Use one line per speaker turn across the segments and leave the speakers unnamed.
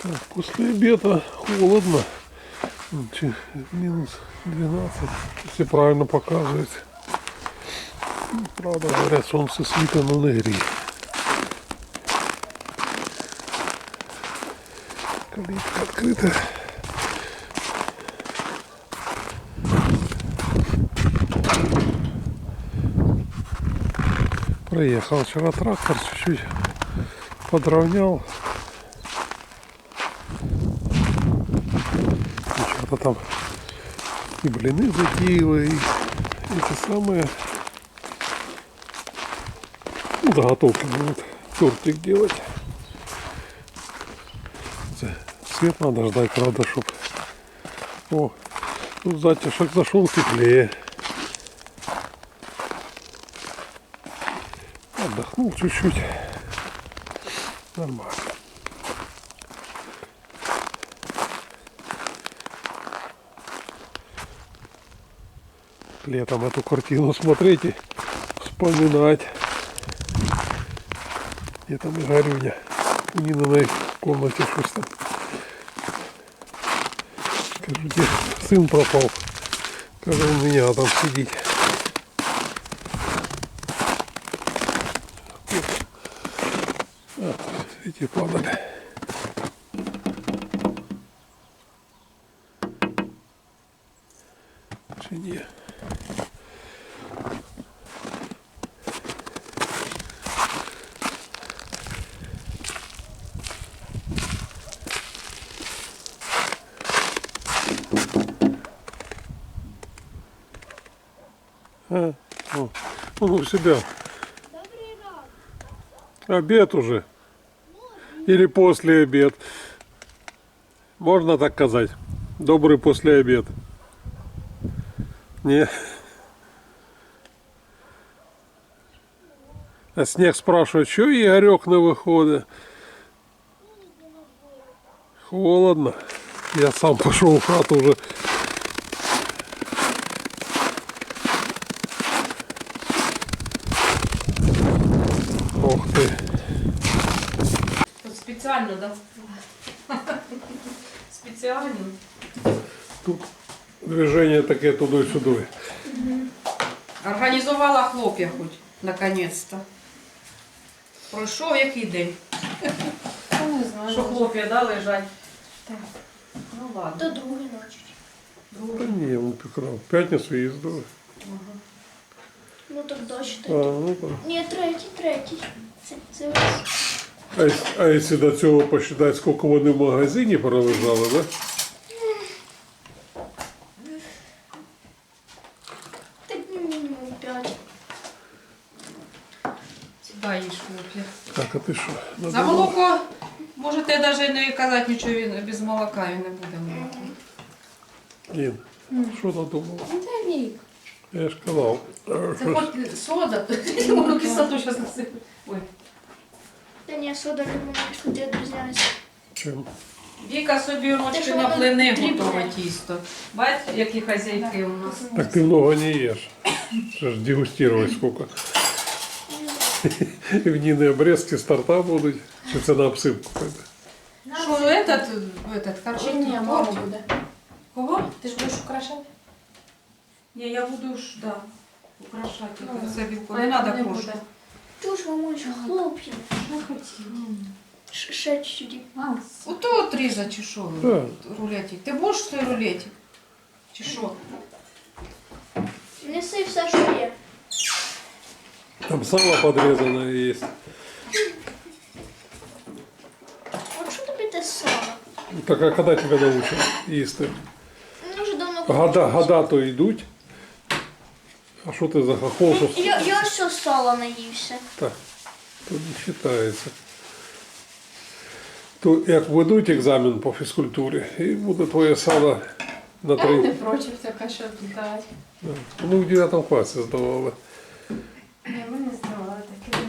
Так, после обеда холодно. Минус 12, если правильно показывает. Правда, говорят, солнце світить, но не гріє. Калитка открыта. Проехал вчера трактор, чуть-чуть подровнял. Что-то там и блины затеяли, и эти самые, ну, заготовки будут тортик делать. Свет надо ждать, правда, чтоб... О, тут затишок зашел теплее. Отдохнул чуть-чуть. Нормально. Летом эту картину смотреть и вспоминать. Где там и Горюня. У Нининой в комнате что там. Скажу, где сын пропал. Как он у меня там сидит. Эти падали. Чи ні? О, он у себя. Обед уже. Или после обед. Можно так сказать. Добрый после обед. Не. А Снег спрашивает, что Игорек на выходе? Холодно. Я сам пошел в хату уже. Ох ты.
Тут специально, да? Специально.
Тут движение таке туди-сюди.
Організувала хлоп'я хоч, наконець-то. Пройшов який день.
Не знаю.
Що хлоп'я, да, лежать?
Так.
Ну ладно.
До другої ночі.
Та ні, он пікрав. В п'ятницю їздили.
Ну так дощ
А,
тоді.
ну так.
Ні, третій. Це
А якщо до цього посчитати, скільки вони в магазині пролежали, да?
так мінімум 5.
Сюди їж хлоп'я.
Так, а ти що?
За молоко можете навіть не казати нічого, він без молока він не буде молоко.
Ін, що надумала?
Це вік.
Я ж казав.
Це хоч сода, я можу кислоту зараз насипати. Ой.
Та ні, сода лимонна кислоти відрізняється.
Чим?
Віка собі
Те,
ручки
що
на
воно
плини
дрібне.
готове тісто. Бачите, які хазяйки у нас.
Так ти много не єш. Ще ж дегустувати скільки. В Ніни обрезки з торта будуть. Чи це на обсипку пойде?
Що, этот харчик?
Ні, мало буде.
Кого?
Ти ж будеш украшати?
Ні, я буду ж, да, украшати.
Ну,
Це не треба крошку.
Чуж, мамульчик, хлоп'я.
Що хотів?
Ще чуть-чуть.
Ото отрізати, чи що?
Так.
Рулетик. Ти будеш той рулетик? Чи що?
Неси все, що є.
Там сало подрезанное есть.
От що тобі те сало?
Так а когда тебя научат їсти?
Ну, вже давно
Года то йдуть. А що ти за хохол? Що...
Я все сала наївся.
Так, то не вважається. То як ведуть екзамен по фізкультурі, і буде твоє сало на
Я не
3.
проти така, що дати.
Ну, в 9 класі здавали.
Ні, ми не здавали таке.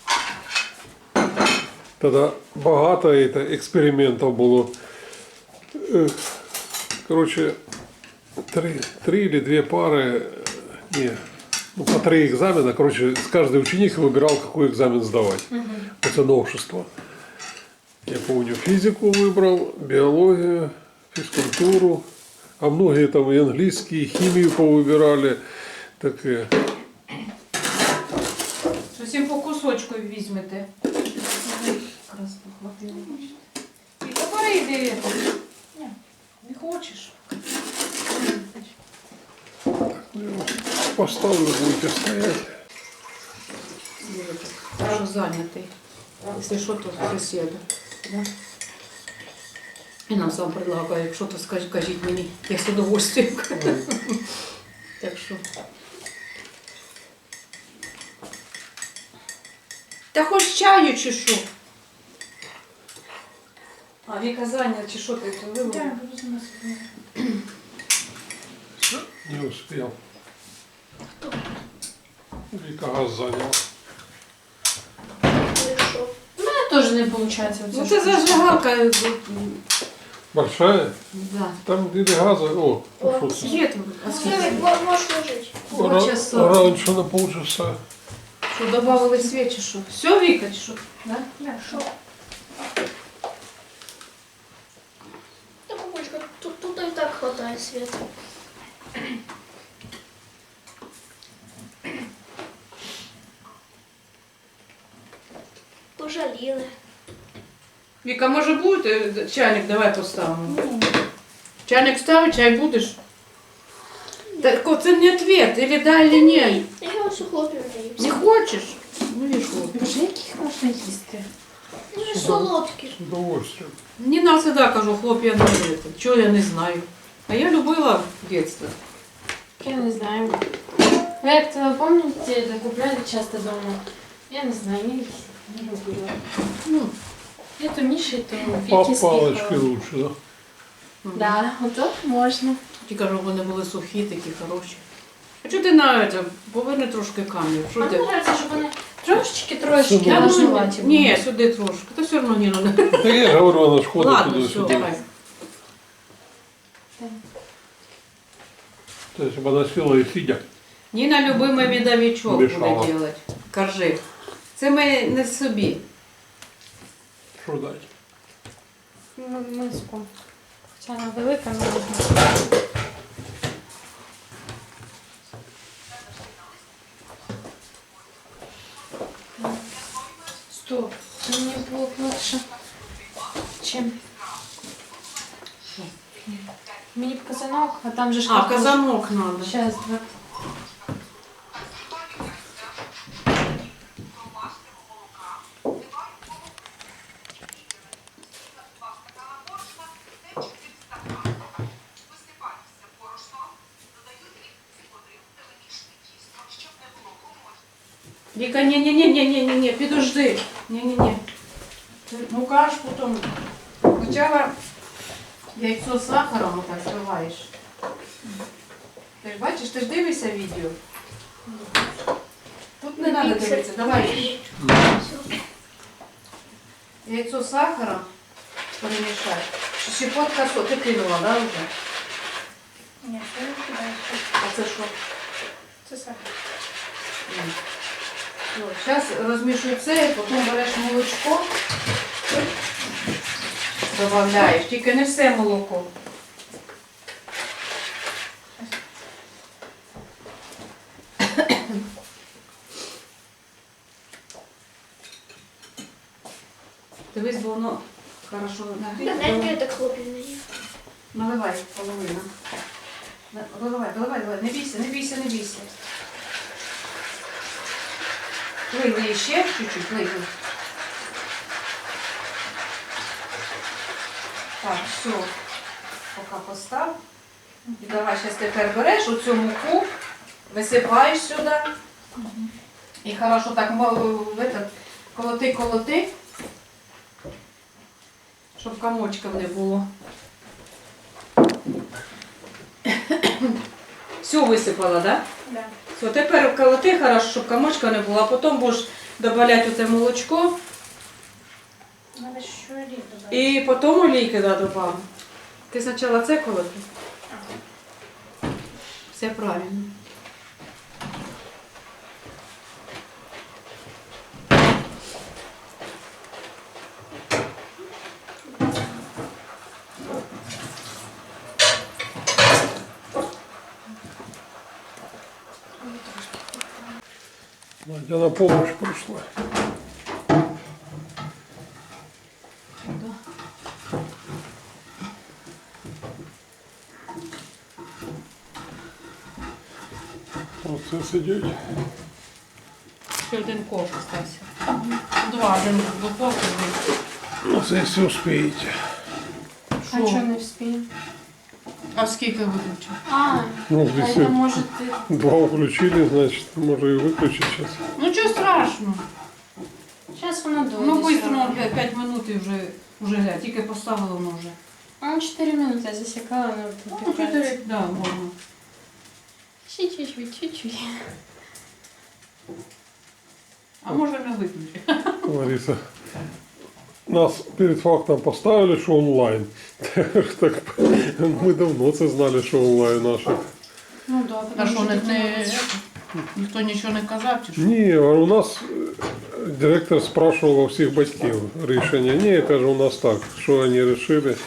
Тоді багато експериментів було. Коротше, 3 или 2 пары, не, ну, по 3 экзамена, короче, каждый ученик выбирал, какой экзамен сдавать. Это новшество. Я помню, физику выбрал, биологию, физкультуру. А многие там и английский, и химию повыбирали. Так,
Всім по кусочку візьмете. Якраз похватило. Та перейди. Ні, не хочеш.
поставлю, будете стоять.
Хорошо зайнятий. Якщо що, то сусіда. Да? І нам сам предлагає, якщо то кажіть мені, я з удовольствием. Так що. Та хоч чаю чи що? А Віка зайнята, чи що ти це вивела?
Так, буду за нас.
Не успел. Вика газ занял.
Хорошо.
У мене теж не виходить.
Ну це зажигалка.
Большая?
Да.
Там где газа. О, пошел.
Є тут. А скільки?
Можешь ложить.
Полчаса.
Раньше на полчаса.
Що, добавили свічі, що? Все, Віка, чи що? Да?
Хорошо. Да, бабушка, тут и так хватает света. Пожалели.
Віка, може буде чайник, давай поставимо. Чайник ставить, чай будеш? Так це не ответ, или да, или ні.
Я вот хлопья
Не хочеш? Ну і що?
Боже, яких можна їсти?
Ну, солодкий.
С удовольствием.
Мені нам завжди кажу, хлоп'я не любите. Чого я не знаю. А я любила в дитинстві.
Я не знаю. Ви як то пам'ятаєте, купляли часто дома? Я не знаю, я їх не любила.
Ну,
Я то Міші, то
По
Вікі
палочке
спіхала.
лучше, да?
Да, ото можна.
ті кажу, вони були сухі, такі хороші. А чого ти на це? Поверни трошки камеру. Що
Мені
ти?
подобається, щоб вони трошечки
Сюди.
важнуваті були.
Ні, сюди трошки. Та все одно Ніна не.
Да я говорю, она ж ходит
Ладно, все,
туда-сюда.
давай.
То есть, чтобы она села и сидя.
Ніна любимий медовичок
Мішала.
буде робити. Коржик. Це ми не собі.
Что дать?
Ну, миску. Хоча вона велика, не можна. Стоп, мені було б легше. Чим? Мені б казанок, а там же ж
А, казанок надо.
Сейчас, два.
Віка, ні, підожди. Ні. Мука ж потім. Спочатку яйцо з сахаром отак зливаєш. Ти ж бачиш, ти ж дивишся відео. Тут не треба дивитися, давай. Яйцо з сахаром перемішай. Щепотка ти кинула, да, вже?
Нет, я не кидаю.
А це що?
Это сахар.
Зараз розмішуй це, потім береш молочко, додаєш, тільки не все молоко. Дивись, бо воно хорошо
Да,
нагріє.
наверное, это хлопья.
Наливай половину. Доливай, не бійся. Лий ще чуть-чуть, лий. Так, все. Поки постав. І давай зараз тепер береш оцю муку, висипаєш сюди. І хорошо так колоти, щоб комочків не було. Все висипала, да?
Да.
Все, тепер колоти хорошо, щоб комочка не було, а потім будеш додавати оце молочко
Надо еще олей добавить.
і потім олійки додавав. Ти спочатку це колоти? Все правильно.
Я на помощь пришла. Оце сидять.
Ще один ковш остався. Два, один в духовці.
Ну, це якщо успієте.
А что не вспею?
А скільки виключив?
Ну,
А
здесь
это может ты...
два включили, значит, можно и выключить сейчас.
Ну чого страшного?
Сейчас оно дойдет.
Ну быстро, 5 минут і вже глядь, тільки поставила воно вже.
А 4 минуты я засекала, оно
Ну,
выпекается.
4, да, можна.
Чуть-чуть, чуть-чуть.
А може не виключити.
Лариса, нас перед фактом поставили, що онлайн. Так, ми давно це знали, що онлайн наших.
Ну да,
А
потому
що,
что
не,
такие
ніхто нічого не казав, чи що?
Ні, а у нас директор спрашивав у всіх батьків рішення. Ні, каже, у нас так, що вони вирішили.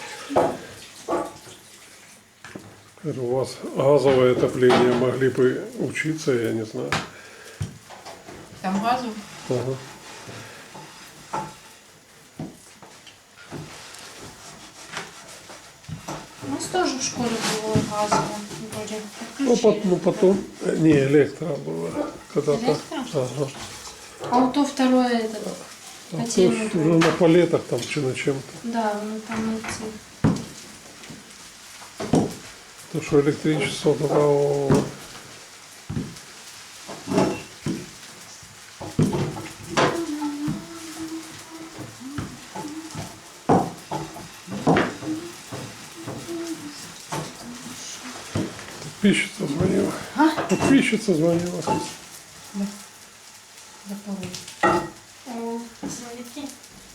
Каже, у вас газовое отопление, могли бы учиться, я не знаю.
Там газу?
Ага.
У нас тоже в школе было газово. Вроде
Ну,
отключили.
потом, не, электро было. Когда-то.
Электро?
Ага.
А вот то второе это...
А то
Котельную.
ж уже на палетах там чи на чем-то.
Да, ну там эти...
То, что электричество давало. Подписчица звонила. Подписчица звонила.
Запорожжя.
О, смотрите.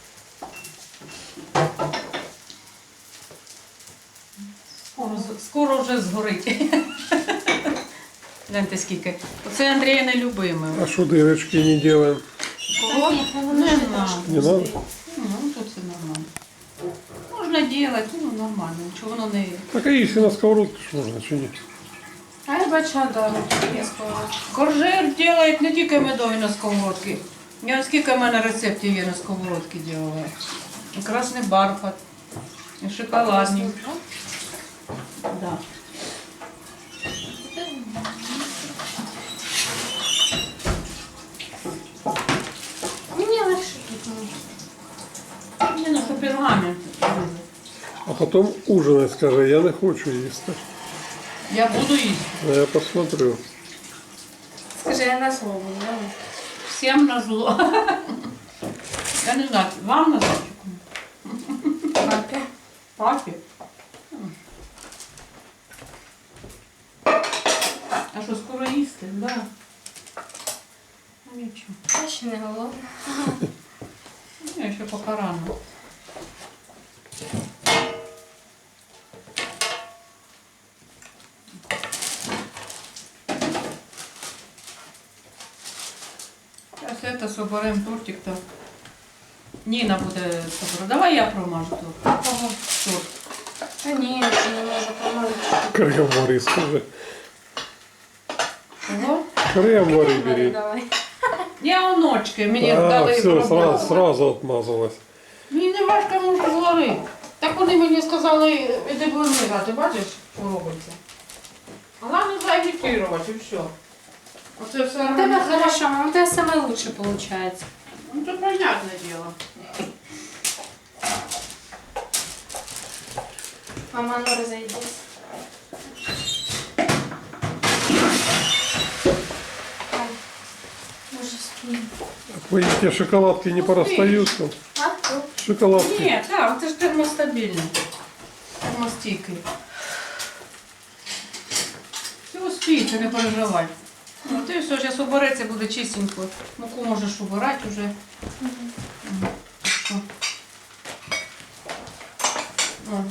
Скоро вже згорить. Гляньте скільки. Оце Андрія нелюбиме.
А что дырочки не делаем?
Не знаю.
Не надо?
Ну, тут все нормально. Можна робити, ну нормально, нічого воно не...
Так а если на сковородке ж можно чинить?
А я бачила, да, вот я сказала.
Коржир робить не тільки медові на сковородці. Я скільки в мене рецептів є на сковородці робила. І красний бархат, і шоколадні. Да.
Мне легче тут.
Ні, ну що пергамент.
А потом ужинать, скажи, я не хочу їсти.
Я буду їсти.
А я посмотрю.
Скажи, я на слово, да?
Всім на зло. Я не знаю, вам на зло?
Папе.
Папі? А що, скоро їсти? Да. Ну нічого.
Я ще не голодна.
Я ще поки рано. Зараз це соберемо тортик, то Ніна буде собирати. Давай я промажу торт.
Кого?
Торт.
Та ні, це не можу помолити.
Крем вари, скажи.
Чого?
Крем вари бери.
Давай.
Я оночки, мені
А,
дали
все,
пробувати.
сразу отмазалась.
Мені не важко можу зварити. Так вони мені сказали, іди будемо грати, бачиш, що робиться. Головне заагітувати і все. Оце все
У тебе хорошо, у тебе саме лучше получается.
Ну це понятне діло.
Мама, ну разойдись. Ай, Боже, спи.
Эти шоколадки не порастаются.
А? Ну,
Шоколадки.
Ні, так, це ж термостабільний. Термостійкий. Все успіється, не переживай. Ну, ти все, зараз убереться, буде чистенько. Муку можеш убирати вже. Що? О.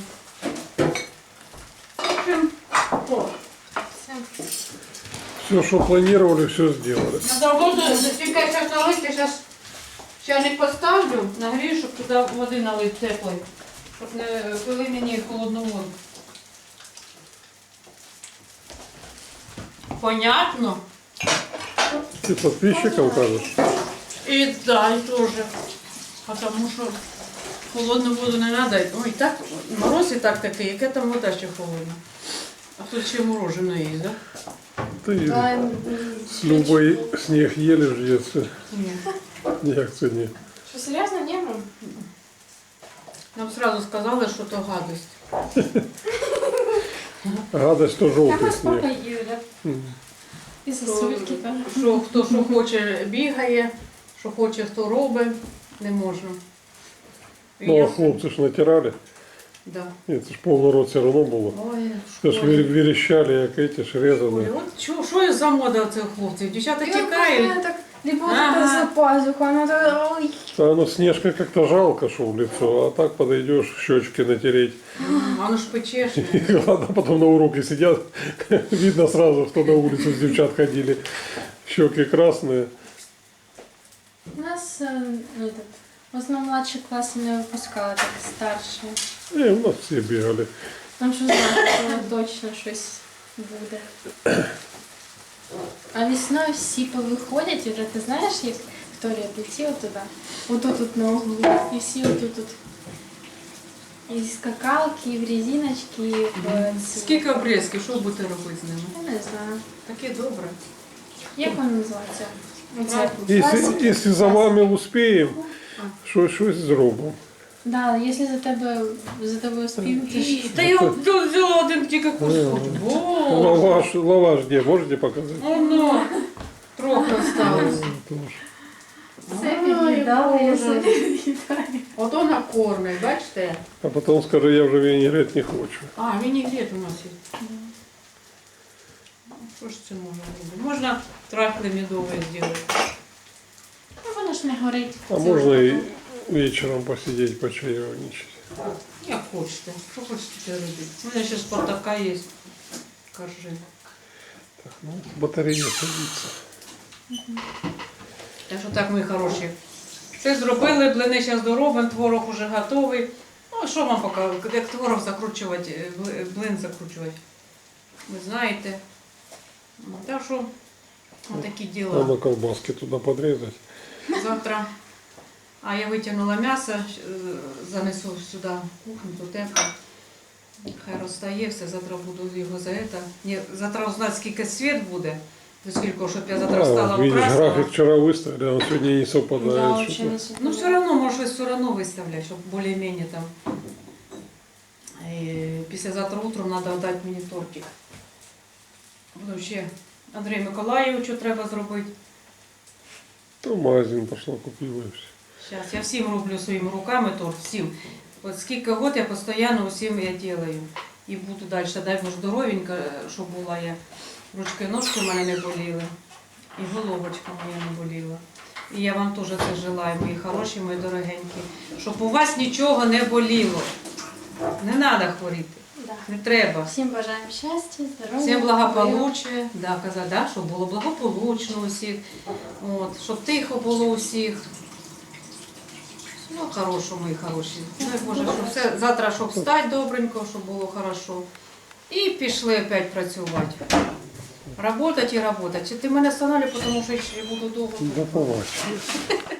В общем, о.
все.
Все, что планировали, все сделали.
Надо воду, тільки зараз налити, зараз чайник поставлю, нагрію, щоб туди води налити теплої. Щоб не пили мені холодну воду. Понятно?
Ты подписчикам кажешь?
И да, и тоже. Потому что холодную воду не надо. Ой, так, мороз і так такий, яке там вода ще холодна. А тут ще мороженое є, да?
Ты
Да,
с Любой снег ели в детстве.
Ні.
Ніяк це ні.
Что, серьезно, не было?
Нам сразу сказали, що то гадость.
Гадость, то
Я
желтый
сколько
снег.
ел, да?
Мгм.
И сосульки тоже.
Що хто що хоче бігає, що хоче, хто робить, не можна. І
Ну,
я-
а хлопцы ж натирали.
Да.
Ні, це ж повний рот все одно було.
Ой,
Це ж верещали, як эти ж
Ой,
резані.
от що за мода цих хлопців? Дівчата тікають.
Так, либо вот
Ага.
это за пазуху, она так, ой.
Та оно снежка как-то жалко, что в лицо, а так подойдешь щечки натереть.
А воно ж печешне.
И ладно, потом на уроке сидят, видно сразу, кто на улицу с девчат ходили. Щеки красные.
У нас этот, в основном младший класс не выпускала, так старший.
И у нас все бегали.
Там що знаю, точно щось буде. А весною всі повиходять, вже ти знаєш, як Вікторія летіла туди, отут на углу, і всі отут. І скакалки, і в резиночки, і в ці.
Скільки обрізків, що будете робити з ними?
Я не знаю.
Таке добре.
Як воно називається? Оце.
Если за вами успеем, щось зробимо.
Да, якщо за тобою спів, то ж...
Та я тут взяла один тільки кусочок. Боже.
Лаваш где, можете показать?
Воно. Трохи осталось.
Тоже.
Це
Ой,
віддала, я
Боже.
собі віддаю.
Ото накормить, бачите?
А потом скажи, я уже винегрет не хочу.
А, вінігрет у нас є. Що ж це можна робити? Можна трахли медові зробити.
Ну, воно ж не горить.
А можно и вечером посидеть, почаевничать.
Як хочете. Що хочете робити? У мене ще Спартака є. Коржи.
Так, ну, батарея садится.
Так що так, мої хороші. Все зробили, блини зараз доробимо, творог уже готовий. Ну, що вам показувати, як творог закручувати, блин закручувати. Ви знаєте. Ну, так що, отакі діла.
Надо колбаски туда подрезать.
Завтра. А я витягнула м'ясо, занесу сюди в кухню, тут тепло. Хай розстає все, завтра буду його за це. Ні, завтра узнати, скільки світ буде. До скільки, щоб я завтра встала
видишь,
вкрасила.
график вчера выставили, а он сегодня не
Да,
совпадает.
вообще
что-то.
не
Ну, все одно, може, все одно виставляти, щоб більш-менш там. Післязавтра утром треба дати мені тортик. Потім ще Андрію Миколаєвичу треба зробити.
То в магазин пошла, купила и все.
Зараз я всім роблю своїми руками торт, всім. От скільки год я постійно усім я роблю. І буду далі. Дай Боже здоровенька, щоб була я. Ручки, ножки в мене не боліли. І головочка моя не боліла. І я вам теж це желаю, мої хороші, мої дорогенькі. Щоб у вас нічого не боліло. Не треба хворіти.
Да.
Не треба.
Всім бажаємо щастя, здоров'я.
Всім благополуччя, да, казати, да, щоб було благополучно усіх, от, щоб тихо було усіх. Ну, хорошо, мої хороші. Дай Боже, щоб все, завтра, щоб встати добренько, щоб було хорошо. І пішли опять працювати. Работать і работать. Чи ти мене останавливай, тому що я ще буду довго.
Да побачимо.